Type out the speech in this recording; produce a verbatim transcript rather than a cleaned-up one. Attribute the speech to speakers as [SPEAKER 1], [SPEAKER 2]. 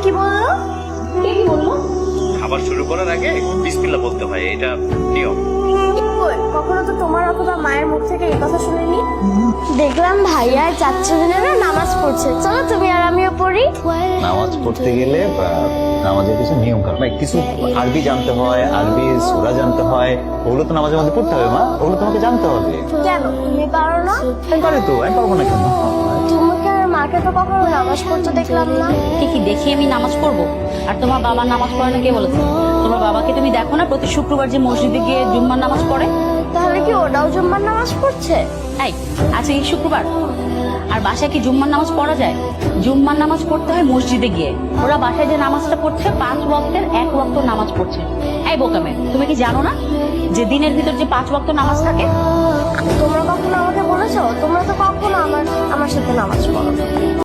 [SPEAKER 1] কি বললো?
[SPEAKER 2] কে কি বললো?
[SPEAKER 3] খাবার শুরু করার আগে বিসমিল্লাহ বলতে হয়, এটা নিয়ম।
[SPEAKER 1] কই, কখনো তো তোমার অথবা মায়ের মুখ থেকে এই কথা শুনিনি। দেখলাম ভাইয়া আর চাচ্চু মিলেরা নামাজ পড়ছে, চলো তুমি আর আমিও পড়ি।
[SPEAKER 4] নামাজ পড়তে গেলে বা নামাজের কিছু নিয়ম কানুন, কিছু আরবি জানতে হয়, আরবি সূরা জানতে হয়, ওগুলো তো নামাজের মধ্যে পড়তে হবে। মা, ওগুলো তোমাকে জানতে হবে।
[SPEAKER 1] কেন তুমি পারো না?
[SPEAKER 4] আমি পারি তো, আমি পারবো না কেন?
[SPEAKER 1] তোমাকে আর মাকে তো কখনো নামাজ পড়তে দেখলাম না।
[SPEAKER 2] কি কি দেখি আমি নামাজ পড়বো? আর তোমার বাবা নামাজ পড়ে না কে বলেছে? তোমার বাবাকে তুমি দেখো না প্রতি শুক্রবার যে মসজিদে গিয়ে জুম্মার নামাজ পড়ে?
[SPEAKER 1] তাহলে কি ওটাও জুম্মার নামাজ পড়ছে?
[SPEAKER 2] এই, আজকে কি শুক্রবার? আর বাসায় কি জুম্মার নামাজ পড়া যায়? জুম্মার নামাজ পড়তে হয় মসজিদে গিয়ে। ওরা বাসায় যে নামাজটা পড়ছে পাঁচ ওয়াক্তের এক ওয়াক্ত নামাজ পড়ছে। এই বোকামে, তুমি কি জানো না যে দিনের ভিতর যে পাঁচ ওয়াক্ত নামাজ থাকে?
[SPEAKER 1] তোমরা কখনো আমাকে বলেছো? তোমরা তো কখনো আমার আমার সাথে নামাজ পড়ো না।